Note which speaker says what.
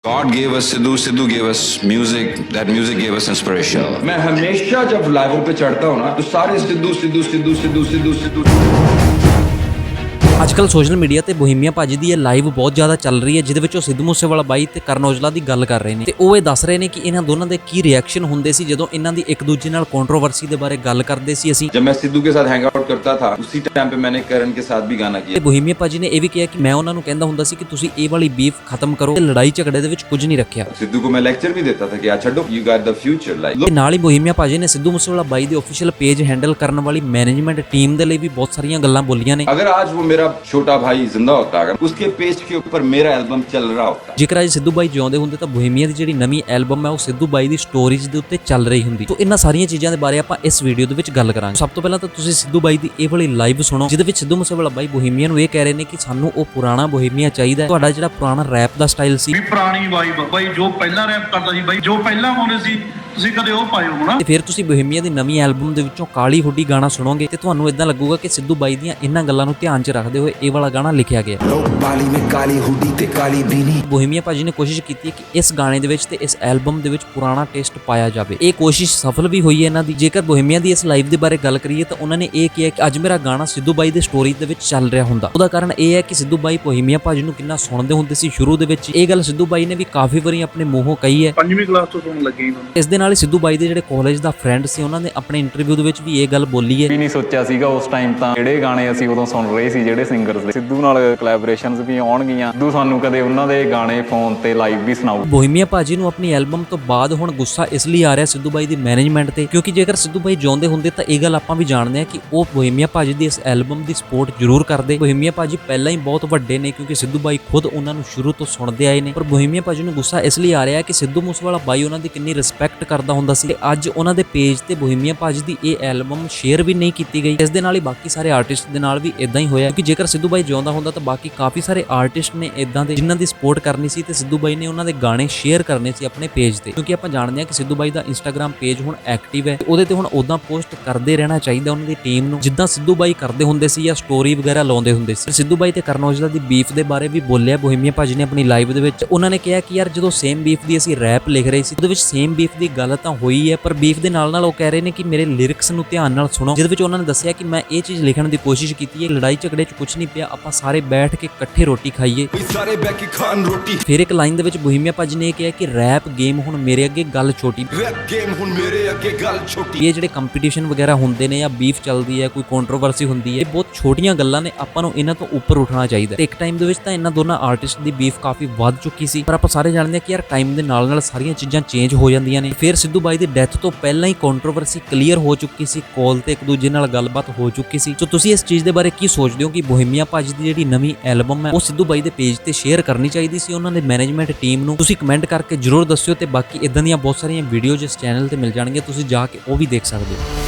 Speaker 1: God gave us Sidhu, Sidhu gave us music, that music gave us inspiration.
Speaker 2: मैं हमेशा जब लाइवों पे चढ़ता हूँ ना तो सारे सिद्धू सिद्धू सिद्धू सिद्धू सिद्धू सिद्धू
Speaker 3: ਅੱਜ ਕੱਲ ਸੋਸ਼ਲ ਮੀਡੀਆ ਤੇ ਬੋਹੀਮੀਆ ਭਾਜੀ ਦੀ ਇਹ ਲਾਈਵ ਬਹੁਤ ਜ਼ਿਆਦਾ ਚੱਲ ਰਹੀ ਹੈ, ਜਿਹਦੇ ਵਿੱਚ ਉਹ ਸਿੱਧੂ ਮੂਸੇਵਾਲਾ ਬਾਈ ਤੇ ਕਰਨ ਔਜਲਾ ਦੀ ਗੱਲ ਕਰ ਰਹੇ ਨੇ ਤੇ ਉਹ ਇਹ ਦੱਸ ਰਹੇ ਨੇ ਕਿ ਇਹਨਾਂ ਦੋਨਾਂ ਦੇ ਕੀ ਰਿਐਕਸ਼ਨ ਹੁੰਦੇ ਸੀ ਜਦੋਂ ਇਹਨਾਂ ਦੀ ਇੱਕ ਦੂਜੇ ਨਾਲ ਕੰਟਰੋਵਰਸੀ ਦੇ ਬਾਰੇ ਗੱਲ ਕਰਦੇ ਸੀ। ਅਸੀਂ
Speaker 2: जब मैं सिद्धू के साथ हैंग आउट करता था उसी टाइम पे मैंने करण के साथ भी गाना
Speaker 3: ਤੇ
Speaker 2: किया।
Speaker 3: ਬੋਹੀਮੀਆ ਭਾਜੀ ਨੇ ਇਹ ਵੀ ਕਿਹਾ ਕਿ ਮੈਂ ਉਹਨਾਂ ਨੂੰ ਕਹਿੰਦਾ ਹੁੰਦਾ ਸੀ ਕਿ ਤੁਸੀਂ ਇਹ ਵਾਲੀ ਬੀਫ ਖਤਮ ਕਰੋ ਤੇ ਲੜਾਈ ਝਗੜੇ ਦੇ ਵਿੱਚ ਕੁਝ ਨਹੀਂ ਰੱਖਿਆ।
Speaker 2: सिद्धू को मैं लेक्चर भी देता था कि यार छोड़ो, you got the future like.
Speaker 3: ਤੇ ਨਾਲ ਹੀ ਬੋਹੀਮੀਆ ਭਾਜੀ ਨੇ ਸਿੱਧੂ ਮੂਸੇਵਾਲਾ ਬਾਈ ਦੇ ਅਫੀਸ਼ੀਅਲ ਪੇਜ ਹੈਂਡਲ ਕਰਨ ਵਾਲੀ ਮੈਨੇਜਮੈਂਟ ਟੀਮ ਦੇ ਲਈ ਵੀ ਬਹੁਤ ਸਾਰੀਆਂ ਗੱਲਾਂ ਬੋਲੀਆਂ ਨੇ।
Speaker 2: अगर आज वो मेरा छोटा भाई जिंदा होता, अगर उसके पेज के ऊपर मेरा एल्बम चल रहा होता।
Speaker 3: ਜੇਕਰ ਅੱਜ ਸਿੱਧੂ ਬਾਈ ਜਿਉਂਦੇ ਹੁੰਦੇ ਤਾਂ ਬੋਹੀਮੀਆ ਦੀ ਜਿਹੜੀ ਨਵੀਂ ਐਲਬਮ ਹੈ ਉਹ ਸਿੱਧੂ ਬਾਈ ਦੀ ਸਟੋਰੀਜ਼ ਦੇ ਉੱਤੇ ਚੱਲ ਰਹੀ ਹੁੰਦੀ। ਤੋਂ ਇਹਨਾਂ ਸਾਰੀਆਂ ਚੀਜ਼ਾਂ ਦੇ ਬਾਰੇ ਆਪਾਂ ਇਸ ਵੀਡੀਓ ਦੇ ਵਿੱਚ ਗੱਲ ਕਰਾਂਗੇ। ਸਭ ਤੋਂ ਪਹਿਲਾਂ ਤਾਂ ਤੁਸੀਂ ਸਿੱਧੂ ਬਾਈ ਦੀ ਇਹ ਵਾਲੀ ਲਾਈਵ ਸੁਣੋ, ਜਿਹਦੇ ਵਿੱਚ ਸਿੱਧੂ ਮੂਸੇਵਾਲਾ ਬਾਈ ਬੋਹੀਮੀਆ ਨੂੰ ਇਹ ਕਹਿ ਰਹੇ ਨੇ ਕਿ ਸਾਨੂੰ ਉਹ ਪੁਰਾਣਾ ਬੋਹੀਮੀਆ ਚਾਹੀਦਾ ਹੈ, ਤੁਹਾਡਾ ਜਿਹੜਾ ਪੁਰਾਣਾ ਰੈਪ ਦਾ ਸਟਾਈਲ ਸੀ,
Speaker 4: ਵੀ ਪੁਰਾਣੀ ਵਾਈਬ ਬਾਈ, ਜੋ ਪਹਿਲਾਂ ਰੈਪ ਕਰਦਾ ਸੀ ਬਾਈ, ਜੋ ਪਹਿਲਾਂ ਗਾਉਂਦੇ ਸੀ ਤੁਸੀਂ ਕਦੇ ਉਹ ਪਾਇਓ ਹੋਣਾ।
Speaker 3: ਤੇ ਫਿਰ ਤੁਸੀਂ ਬੋਹੀਮੀਆ ਦੀ ਨਵੀਂ ਐਲਬਮ ਦੇ ਵਿੱਚੋਂ ਕਾਲੀ ਹੁੱਡੀ ਗਾਣਾ ਸੁਣੋਗੇ ਤੇ ਤੁਹਾਨੂੰ ਇਦਾਂ ਲੱਗੂਗਾ ਕਿ ਸਿੱਧੂ ਬਾਈ ਦੀਆਂ ਇਹਨਾਂ ਗੱਲਾਂ ਨੂੰ ਧਿਆਨ 'ਚ ਰੱਖਦੇ ਹੋਏ ਇਹ ਵਾਲਾ ਗਾਣਾ ਲਿਖਿਆ ਗਿਆ।
Speaker 5: ਬਾਲੀ में काली हुडी ते काली बीनी।
Speaker 3: ਬੋਹੀਮੀਆ ਭਾਜੀ ਨੇ ਕੋਸ਼ਿਸ਼ ਕੀਤੀ ਹੈ ਕਿ ਇਸ ਗਾਣੇ ਦੇ ਵਿੱਚ ਤੇ ਇਸ ਐਲਬਮ ਦੇ ਵਿੱਚ ਪੁਰਾਣਾ ਟੇਸਟ ਪਾਇਆ ਜਾਵੇ। ਇਹ ਕੋਸ਼ਿਸ਼ ਸਫਲ ਵੀ ਹੋਈ ਹੈ ਇਹਨਾਂ ਦੀ। ਜੇਕਰ ਬੋਹੀਮੀਆ ਦੀ ਇਸ ਲਾਈਵ ਦੇ ਬਾਰੇ ਗੱਲ ਕਰੀਏ ਤਾਂ ਉਹਨਾਂ ਨੇ ਇਹ ਕਿਹਾ ਕਿ ਅੱਜ ਮੇਰਾ ਗਾਣਾ ਸਿੱਧੂ ਬਾਈ ਦੇ ਸਟੋਰੀ ਦੇ ਵਿੱਚ ਚੱਲ ਰਿਹਾ ਹੁੰਦਾ। ਉਹਦਾ ਕਾਰਨ ਇਹ ਹੈ ਕਿ ਸਿੱਧੂ ਬਾਈ ਬੋਹੀਮੀਆ ਭਾਜੀ ਨੂੰ ਕਿੰਨਾ ਸੁਣਦੇ ਹੁੰਦੇ ਸੀ ਸ਼ੁਰੂ ਦੇ ਵਿੱਚ। ਇਹ ਗੱਲ ਸਿੱਧੂ ਬਾਈ ਨੇ ਵੀ ਕਾਫੀ ਵਾਰੀ ਆਪਣੇ ਮੂੰਹੋਂ ਕਹੀ ਹੈ।
Speaker 4: 5ਵੀਂ ਕਲਾਸ ਤੋਂ ਸੁਣਨ ਲੱਗੇ ਇਹਨਾਂ ਨੂੰ।
Speaker 3: ਇਸ ਦੇ ਨਾਲ ਹੀ ਸਿੱਧੂ ਬਾਈ ਦੇ ਜਿਹੜੇ ਕਾਲਜ ਦਾ ਫਰੈਂਡ ਸੀ ਉਹਨਾਂ ਨੇ ਆਪਣੇ ਇੰਟਰਵਿਊ ਦੇ ਵਿੱਚ ਵੀ ਇਹ ਗੱਲ ਬੋਲੀ ਹੈ।
Speaker 6: ਵੀ ਨਹੀਂ ਸੋਚਿਆ ਸੀਗਾ ਉਸ ਟਾਈਮ ਤਾਂ ਜਿਹੜੇ ਗਾਣੇ ਅਸੀਂ ਉਦੋਂ ਸੁਣ ਰਹੇ ਸੀ, ਜਿਹੜੇ ਸਿੰਗਰਸ ਦੇ ਸਿੱਧੂ ਨਾਲ ਕੋਲੈਬੋਰੇਸ਼ਨਸ ਵੀ ਆਉਣਗੀਆਂ। ਸਿੱਧੂ ਸਾਨੂੰ ਕਦੇ ਉਹਨਾਂ ਦੇ ਗਾਣੇ ਫੋਨ ਤੇ ਲਾਈਵ ਵੀ ਸੁਣਾਊ।
Speaker 3: ਬੋਹੀਮੀਆ ਭਾਜੀ ਨੂੰ ਆਪਣੀ ਐਲਬਮ ਤੋਂ ਬਾਅਦ ਹੁਣ ਗੁੱਸਾ ਇਸ ਲਈ ਆ ਰਿਹਾ ਸਿੱਧੂ ਬਾਈ ਦੀ ਮੈਨੇਜਮੈਂਟ ਤੇ, ਕਿਉਂਕਿ ਜੇਕਰ ਸਿੱਧੂ ਬਾਈ ਜਿਉਂਦੇ ਹੁੰਦੇ ਤਾਂ ਇਹ ਗੱਲ ਆਪਾਂ ਵੀ ਜਾਣਦੇ ਹਾਂ ਕਿ ਉਹ ਬੋਹੀਮੀਆ ਭਾਜੀ ਦੀ ਇਸ ਐਲਬਮ ਦੀ ਸਪੋਰਟ ਜ਼ਰੂਰ ਕਰਦੇ। ਬੋਹੀਮੀਆ ਭਾਜੀ ਪਹਿਲਾਂ ਹੀ ਬਹੁਤ ਵੱਡੇ ਨੇ, ਕਿਉਂਕਿ ਸਿੱਧੂ ਬਾਈ ਖੁਦ ਉਹਨਾਂ ਨੂੰ ਸ਼ੁਰੂ ਤੋਂ ਸੁਣਦੇ ਆਏ ਨੇ। ਪਰ ਬੋਹੀਮੀਆ ਭਾਜੀ ਨੂੰ ਗੁੱਸਾ ਇਸ ਲਈ ਆ ਰਿਹਾ ਕਿ ਸਿੱਧੂ ਮੂਸੇਵਾਲਾ ਬਾਈ ਉਹਨਾਂ ਦੀ ਕਿੰਨੀ ਰਿਸਪੈਕਟ ਕਰਦਾ ਹੁੰਦਾ ਸੀ ਤੇ ਅੱਜ ਉਹਨਾਂ ਦੇ ਪੇਜ ਤੇ ਬੋਹੀਮੀਆ ਭਾਜੀ ਦੀ ਇਹ ਐਲਬਮ ਸ਼ੇਅਰ ਵੀ ਨਹੀਂ ਕੀਤੀ ਗਈ। ਇਸ ਦੇ ਨਾਲ ਹੀ ਬਾਕੀ ਸਾਰੇ ਆਰਟਿਸਟ ਦੇ ਨਾਲ ਵੀ ਇਦਾਂ ਹੀ ਹੋਇਆ, ਕਿਉਂਕਿ ਜੇਕਰ ਸਿੱਧੂ ਬਾਈ ਜਿਉਂਦਾ ਹੁੰਦਾ ਤਾਂ ਬਾਕੀ ਕਾਫੀ ਸਾਰੇ ਆਰਟਿਸਟ ਨੇ ਇਦਾਂ ਦੇ ਜਿਨ੍ਹਾਂ ਦੀ ਸਪੋਰਟ ਕਰਨੀ ਸੀ ਤੇ ਸਿੱਧੂ ਬਾਈ ਨੇ ਉਹਨਾਂ ਦੇ ਗਾਣੇ ਸ਼ੇਅਰ ਕਰਨੇ ਸੀ ਆਪਣੇ ਪੇਜ ਤੇ। ਕਿਉਂਕਿ ਆਪਾਂ ਜਾਣਦੇ ਹਾਂ ਕਿ ਸਿੱਧੂ ਬਾਈ ਦਾ ਇੰਸਟਾਗ੍ਰam ਪੇਜ ਹੁਣ ਐਕਟਿਵ ਹੈ, ਉਹਦੇ ਤੇ ਹੁਣ ਉਦਾਂ ਪੋਸਟ ਕਰਦੇ ਰਹਿਣਾ ਚਾਹੀਦਾ ਉਹਨਾਂ ਦੀ ਟੀਮ ਨੂੰ, ਜਿੱਦਾਂ ਸਿੱਧੂ ਬਾਈ ਕਰਦੇ ਹੁੰਦੇ ਸੀ ਜਾਂ ਸਟੋਰੀ ਵਗੈਰਾ ਲਾਉਂਦੇ ਹੁੰਦੇ ਸੀ। ਸਿੱਧੂ ਬਾਈ ਤੇ ਕਰਨ ਔਜਲਾ ਦੀ ਬੀਫ ਦੇ ਬਾਰੇ ਵੀ ਬੋਲਿਆ ਬੋਹੀਮੀਆ ਭਾਜੀ ਨੇ ਆਪਣੀ ਲਾਈਵ ਦੇ ਵਿੱਚ। ਉਹਨਾਂ ਨੇ ਕਿਹਾ ਕਿ ਯਾਰ ਜਦੋਂ ਸੇਮ ਬੀਫ ਦੀ ਅਸੀਂ ਰੈਪ ਲਿਖ ਰਹੇ ਸੀ ਉਹਦੇ ਵਿੱਚ ਸੇਮ ਬੀਫ ਦੀ ਗੱਲ ਤਾਂ ਹੋਈ ਹੈ, ਪਰ ਬੀਫ ਦੇ ਨਾਲ ਨਾਲ ਉਹ ਕਹਿ ਰਹੇ ਨੇ ਕਿ ਮੇਰੇ ਲਿਰਿਕਸ ਨੂੰ ਧਿਆਨ ਨਾਲ ਸੁਣੋ, ਜਿਹਦੇ ਵਿੱਚ ਉਹਨਾਂ ਨੇ ਦੱਸਿਆ ਕਿ ਮੈਂ ਇਹ ਚੀਜ਼ ਲਿਖਣ ਦੀ ਕੋਸ਼ਿਸ਼ ਕੀਤੀ ਹੈ, ਲੜਾਈ ਝਗੜੇ 'ਚ ਕੁਝ ਨਹੀਂ ਪਿਆ, ਆਪਾਂ ਸਾਰੇ ਬੈਠ ਕੇ ਇਕੱਠੇ ਰੋਟੀ ਖਾਈਏ।
Speaker 5: सारे बैठी खान रोटी।
Speaker 3: ਫਿਰ ਇੱਕ ਲਾਈਨ ਦੇ ਵਿੱਚ ਬੋਹੀਮੀਆ ਭਾਜੀ ਨੇ ਇਹ ਕਿਹਾ ਕਿ ਰੈਪ ਗੇਮ ਹੁਣ ਮੇਰੇ ਅੱਗੇ ਗੱਲ ਛੋਟੀ।
Speaker 5: रैप गेम हुन मेरे अगे गल छोटी।
Speaker 3: ਇਹ ਜਿਹੜੇ ਕੰਪੀਟੀਸ਼ਨ ਵਗੈਰਾ ਹੁੰਦੇ ਨੇ ਜਾਂ ਬੀਫ ਚੱਲਦੀ ਹੈ, ਕੋਈ ਕੰਟਰੋਵਰਸੀ ਹੁੰਦੀ ਹੈ, ਇਹ ਬਹੁਤ ਛੋਟੀਆਂ ਗੱਲਾਂ ਨੇ, ਆਪਾਂ ਨੂੰ ਇਹਨਾਂ ਤੋਂ ਉੱਪਰ ਉੱਠਣਾ ਚਾਹੀਦਾ। ਤੇ ਇੱਕ ਟਾਈਮ ਦੇ ਵਿੱਚ ਤਾਂ ਇਹਨਾਂ ਦੋਨਾਂ ਆਰਟਿਸਟ ਦੀ ਬੀਫ ਕਾਫੀ ਵੱਧ ਚੁੱਕੀ ਸੀ, ਪਰ ਆਪਾਂ ਸਾਰੇ ਜਾਣਦੇ ਹਾਂ ਕਿ ਯਾਰ ਟਾਈਮ ਦੇ ਨਾਲ ਨਾਲ ਸਾਰੀਆਂ ਚੀਜ਼ਾਂ ਚੇਂਜ ਹੋ ਜਾਂਦੀਆਂ ਨੇ। ਫਿਰ ਸਿੱਧੂ ਬਾਈ ਦੀ ਡੈਥ ਤੋਂ ਪਹਿਲਾਂ ਹੀ ਕੰਟਰੋਵਰਸੀ ਕਲੀਅਰ ਹੋ ਚੁੱਕੀ ਸੀ, ਕਾਲ ਤੇ ਇੱਕ ਦੂਜੇ ਨਾਲ ਗੱਲਬਾਤ ਹੋ ਚੁੱਕੀ ਸੀ। ਸੋ ਤੁਸੀਂ ਇਸ ਚੀਜ਼ ਦੇ ਬਾਰੇ ਕੀ ਸੋਚਦੇ ਹੋ ਕਿ ਬੋਹੀਮੀਆ ਭਾਜੀ ਦੀ ਜਿਹੜੀ ਨਵੀਂ ਐਲਬਮ ਹੈ ਉਹ ਸਿੱਧੂ ਬਾਈ ਦੇ ਪੇਜ ਤੇ ਸ਼ੇਅਰ ਕਰਨੀ ਚਾਹੀਦੀ ਸੀ ਉਹਨਾਂ ਦੇ ਮੈਨੇਜਮੈਂਟ ਟੀਮ ਨੂੰ? ਤੁਸੀਂ ਕਮੈਂਟ ਕਰਕੇ ਜਰੂਰ ਦੱਸਿਓ ਤੇ ਬਾਕੀ ਇਦਾਂ ਦੀਆਂ ਬਹੁਤ ਸਾਰੀਆਂ ਵੀਡੀਓਜ਼ ਇਸ ਚੈਨਲ ਤੇ ਮਿਲ ਜਾਣਗੀਆਂ, ਤੁਸੀਂ ਜਾ ਕੇ ਉਹ ਵੀ ਦੇਖ ਸਕਦੇ ਹੋ।